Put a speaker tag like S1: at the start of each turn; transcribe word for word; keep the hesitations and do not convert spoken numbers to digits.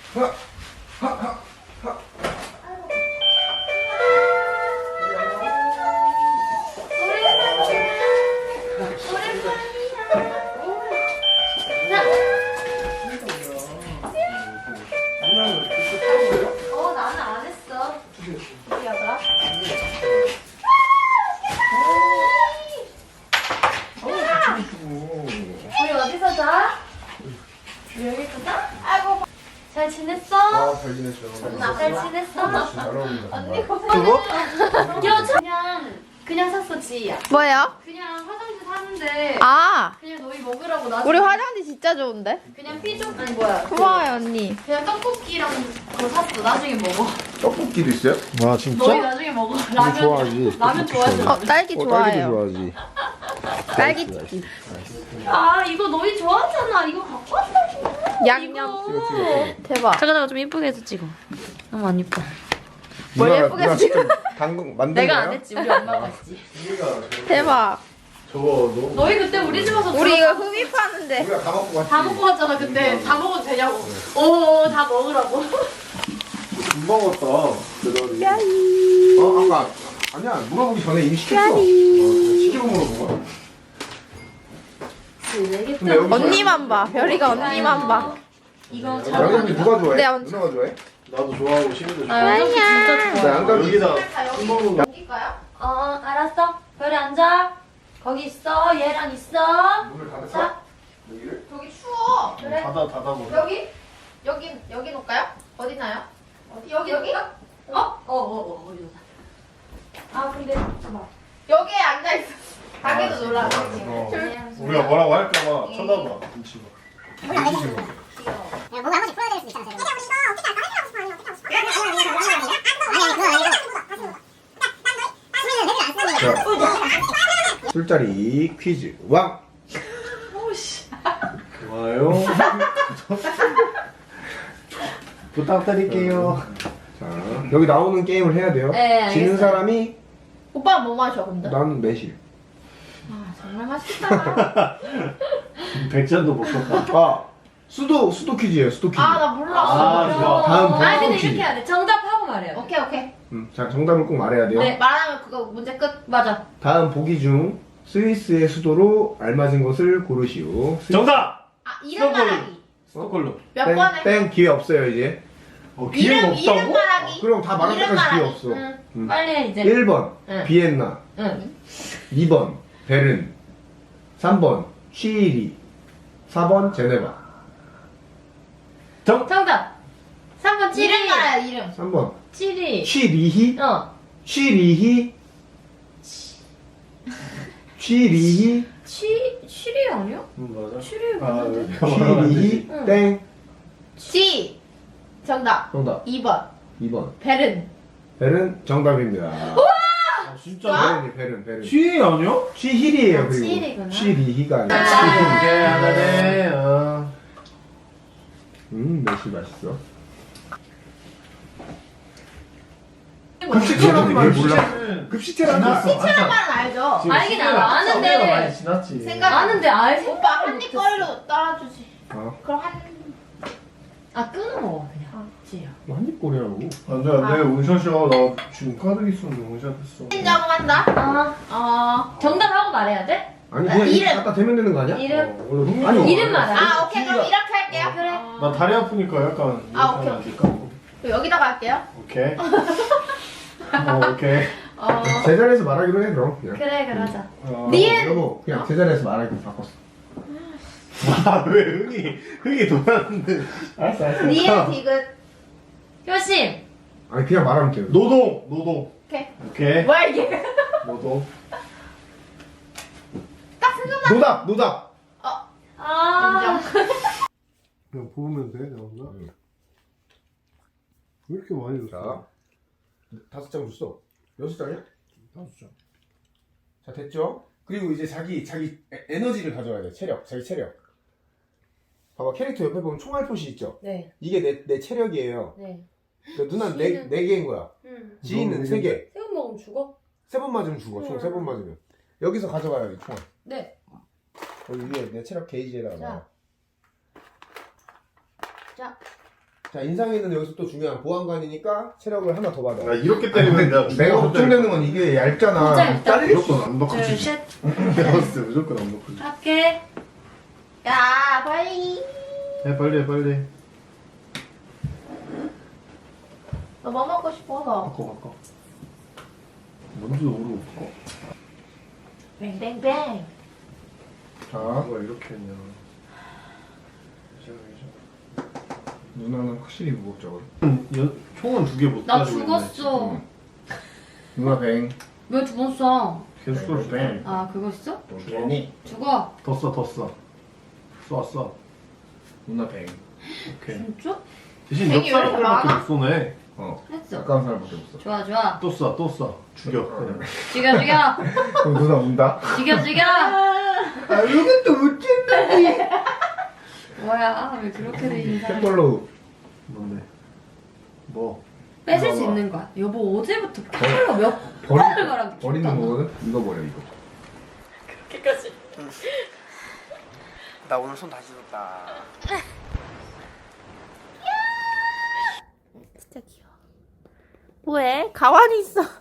S1: 하, 하, 하, 하.
S2: 어, 나는 안 했어. 미안하다. 우리 어디서 자? 여기서 자? 아이고. 잘 지냈어?
S1: 아, 잘 지냈어.
S2: 잘 지냈어?
S1: 잘 어울린다.
S2: 언니
S1: 정말.
S2: 고마워. 야, 저 그냥 그냥 샀어, 지희야.
S3: 뭐예요?
S2: 그냥 화장지 사는데
S3: 아,
S2: 그냥 너희 먹으라고 나.
S3: 우리 화장지 진짜 좋은데?
S2: 그냥 피좀 아니 뭐야?
S3: 고마워요, 언니.
S2: 그냥 떡볶이랑 그거 샀어. 나중에 먹어.
S1: 떡볶이도 있어요?
S4: 와 진짜?
S2: 너희 나중에 먹어. 라면
S4: 좋아하지.
S2: 라면 좋아하지.
S3: 어, 딸기
S4: 어, 딸기도
S3: 좋아해요.
S4: 좋아하지.
S3: 딸기 튀김.
S2: 아 이거 너희 좋아하잖아. 이거 갖고 왔다고.
S3: 양념.
S1: 찍어, 찍어, 찍어.
S3: 대박.
S2: 잠깐 잠깐 좀 이쁘게 해서 찍어. 너무 안 이뻐.
S3: 뭘
S1: 누나가-
S3: 예쁘게
S1: 누나
S3: 찍어?
S1: 직접 당근 만든
S2: 내가
S1: 거야?
S2: 안 했지. 우리 엄마가 했지.
S3: 대박.
S1: 저거 너무
S2: 너희 그때 우리 집 와서
S3: 우리 이거
S2: 들어가-
S3: 흡입하는데.
S1: 우리가 다 먹고 갔지.
S2: 다 먹고 갔잖아. 근데 다 먹어도 되냐고. 오, 다 먹으라고.
S1: 금방 먹었다. 그다음에. 어, 아까 아니야 물어보기 전에 이미 시켰어. 어, 시키고 물어본 거야. 근데 여기서
S3: 언니만 봐. 별이가 언니만 봐.
S2: 이거 잘
S1: 양념이 누가 좋아해?
S3: 네, 언-
S1: 누나가 좋아해?
S4: 나도 좋아하고 시민도
S2: 아, 양념이 진짜 좋아.
S1: 나 양감
S4: 여기다
S2: 여기까요? 어, 알았어. 별이 앉아. 거기 있어. 얘랑 있어.
S1: 문을 닫을까?
S2: 자,
S1: 여기를?
S2: 여기 추워. 그래.
S4: 닫아 닫아보.
S2: 여기? 여기 여기 놓을까요? 어디 나요? 어디 여기 여기? 어? 어, 어, 어, 어디 놓자. 아, 근데 잠깐만. 여기에 앉아 있어. 가게도 놀라.
S4: 어. 우리가 뭐라고 할까봐 쳐다봐. 눈치가.
S5: 뭔가 한 번씩 풀어야 될 수 있잖아. 근데 우리 이거 어떻게 할까? 해보고 싶어. 아니면 어떻게 하고 싶어? 아니, 아니, 아니, 아니, 아니, 아니, 그거 아니고.
S1: 자, 술자리 퀴즈 왕.
S4: 좋아요. 부탁드릴게요.
S1: 자, 여기 나오는 게임을 해야 돼요.
S2: 네,
S1: 지는
S2: 알겠어요.
S1: 사람이
S2: 오빠 뭐 마셔 근데?
S1: 나는 매실.
S2: 아, 정말 맛있다.
S4: 백잔도 먹었다.
S1: 아, 수도 수도 퀴즈예요. 수도 퀴즈.
S2: 아, 나 몰라.
S4: 아, 좋아.
S1: 다음
S2: 아,
S1: 번호
S2: 근데
S1: 퀴즈.
S2: 이렇게 해야 돼. 정답하고 말해야 돼. 오케이, 오케이.
S1: 음, 자, 정답을 꼭 말해야 돼요.
S2: 네, 말하면 그거 문제 끝. 맞아.
S1: 다음 보기 중 스위스의 수도로 알맞은 것을 고르시오. 스위스-
S4: 정답.
S2: 아, 이름
S4: 스토콜름.
S2: 말하기.
S4: 스토콜름.
S2: 몇
S1: 땡,
S2: 번에?
S1: 땡 기회 없어요 이제.
S4: 어, 기회가
S2: 이름, 이름
S4: 없다고?
S2: 말하기.
S1: 어, 그럼 다 말할
S2: 이름
S1: 때까지 기회
S2: 말하기.
S1: 없어.
S2: 응.
S1: 음.
S2: 빨리 해, 이제.
S1: 일 번
S2: 응.
S1: 비엔나,
S2: 응.
S1: 이 번 베른, 삼 번 취리히, 사 번 제네바.
S4: 정.
S2: 정답. 삼 번 찌리. 이름 말해야 이름.
S1: 삼 번
S2: 찌리.
S1: 취리히,
S2: 어.
S1: 취리히, 취리히,
S2: 취, 취리 아니야?
S4: 음, 맞아.
S2: 취리
S4: 아,
S2: 맞는데?
S4: 이렇게 말하면 안 되지.
S1: 취리히,
S2: 응.
S1: 땡.
S2: 지. 정답.
S1: 정답.
S2: 이 번.
S1: 이 번
S2: 베른.
S1: 베른 정답입니다.
S4: 아, 진짜?
S1: 베른이 베른 베른.
S4: 취 아니야?
S1: 취히리예요
S2: 아,
S1: 그리고.
S2: 취히리구나.
S1: 취리히가 아니라.
S2: 아.
S4: 오케이 하나네. 어.
S1: 음, 매실 맛있어.
S2: 뭐
S1: 급식체라는 말 몰라.
S4: 시체는
S1: 급식체라는 말.
S4: 지났어.
S2: 시체란 말은 알죠?
S4: 지금
S2: 알긴
S4: 시계가-
S2: 알아. 아는데.
S4: 시계가 많이 지났지.
S2: 생각 아는데 알
S6: 오빠 한 입 거리로 따라주지.
S1: 아,
S6: 그럼 한
S2: 아 끊어 먹어 그냥. 지야.
S1: 뭐 한입꼬리라고.
S4: 안돼 안돼 원샷이야. 나 지금 카드 있었는데 원샷했어.
S6: 인정한다.
S2: 어.
S6: 어.
S2: 정답하고 말해야 돼?
S1: 아니 그냥
S6: 이름.
S1: 이름 갖다 대면 되는 거 아니야?
S2: 이름.
S4: 어, 원래 흥미
S1: 아니,
S2: 이름 말해.
S6: 아 오케이 그럼
S4: 취미가-
S6: 이렇게 할게요.
S2: 그래.
S6: 어.
S4: 나 다리 아프니까 약간
S6: 아,
S4: 이렇게
S6: 오케이,
S4: 하면 안 될까?
S6: 그럼 여기다가 할게요.
S4: 오케이. 어, 오케이.
S6: 어.
S1: 제자리에서 말하기로 해 그럼. 그냥.
S2: 그래 그러자.
S4: 어.
S6: 니은.
S1: 여보 그냥 제자리에서 말하기로 바꿨어.
S4: 아, 왜 흥이 흥이 돌았는데?
S1: 알았어 알았어.
S6: 니은 디귿.
S2: 효심.
S1: 아니 그냥 말하면 돼.
S4: 노동 노동.
S6: 오케이.
S4: 오케이.
S6: 뭐야 이게?
S4: 노동.
S6: 딱 생각나.
S1: 노답 노답.
S2: 아.
S6: 인정.
S4: 그냥 보면 돼 나온다.
S1: 응.
S4: 왜 이렇게 많이
S1: 자
S4: 줬어?
S1: 다섯 장 줬어. 여섯 장이야?
S4: 다섯 장.
S1: 자 됐죠? 그리고 이제 자기 자기 에- 에너지를 가져와야 돼. 체력 자기 체력. 봐봐 캐릭터 옆에 보면 총알 표시 있죠?
S2: 네.
S1: 이게 내, 내 체력이에요.
S2: 네.
S1: 그러니까 누나 네,
S2: 지인은-
S1: 네 개인 거야.
S2: 응.
S1: 지인은 세 개.
S2: 새우 먹으면 죽어?
S1: 세 번 맞으면 죽어. 총 세 번 맞으면. 여기서 가져가요 이 총알.
S2: 네.
S1: 여기 위에 내 체력 게이지에다가
S2: 자.
S1: 넣어.
S2: 자.
S1: 자 인상이는 여기서 또 중요한 보안관이니까 체력을 하나 더 받아.
S4: 나 이렇게 때리면 내가
S1: 내가 걱정되는 건 이게 얇잖아.
S7: 진짜 얇다.
S1: 잘릴 수
S4: 무조건 안 넣고
S7: 둘,
S4: 주지.
S7: 셋.
S4: 내가 봤을 때 무조건 안 넣고 주지.
S7: 할게.
S2: 야 빨리.
S4: 해 빨리 해 빨리.
S2: 너 뭐 먹고 싶어서?
S4: 바꿔 바꿔. 먼저 오르고 바꿔.
S2: 뱅뱅뱅.
S1: 자
S4: 누가 이렇게 했냐.
S1: 누나는 확실히 무겁죠.
S4: 연, 총은 두 개 못
S7: 나
S4: 가지고
S7: 죽었어.
S1: 응. 누나 뱅.
S7: 왜 죽었어?
S4: 계속 쏠 수.
S1: 뱅.
S7: 아 그거 있어?
S1: 괜히
S7: 죽어.
S4: 더 써, 더 써. 쏴, 쏴.
S1: 누나 뱅.
S4: 오케이.
S7: 진짜?
S4: 대신
S2: 뱅이 왜 이렇게
S4: 역사람밖에
S2: 많아?
S4: 못 쏘네.
S1: 어.
S7: 했어.
S1: 가까운 사람밖에 없어.
S7: 좋아 좋아.
S4: 또 쏴, 또 쏴. 죽여. 그냥.
S7: 죽여 죽여.
S1: 그럼 누나 운다.
S7: 죽여 죽여.
S1: 아 이것도 못 찍는다니.
S7: 뭐야 왜 그렇게 돼 있는 사람?
S1: 템벌로.
S4: 뭔데? 뭐?
S7: 뺏을 수 있는 거야. 여보 어제부터 칼로 몇
S1: 버리,
S7: 번을 말하고
S1: 버리는 거거든? 이거 버려 이거.
S7: 그렇게까지.
S1: 나 오늘 손 다시 줬다.
S3: 진짜 귀여워. 뭐해? 가만히 있어.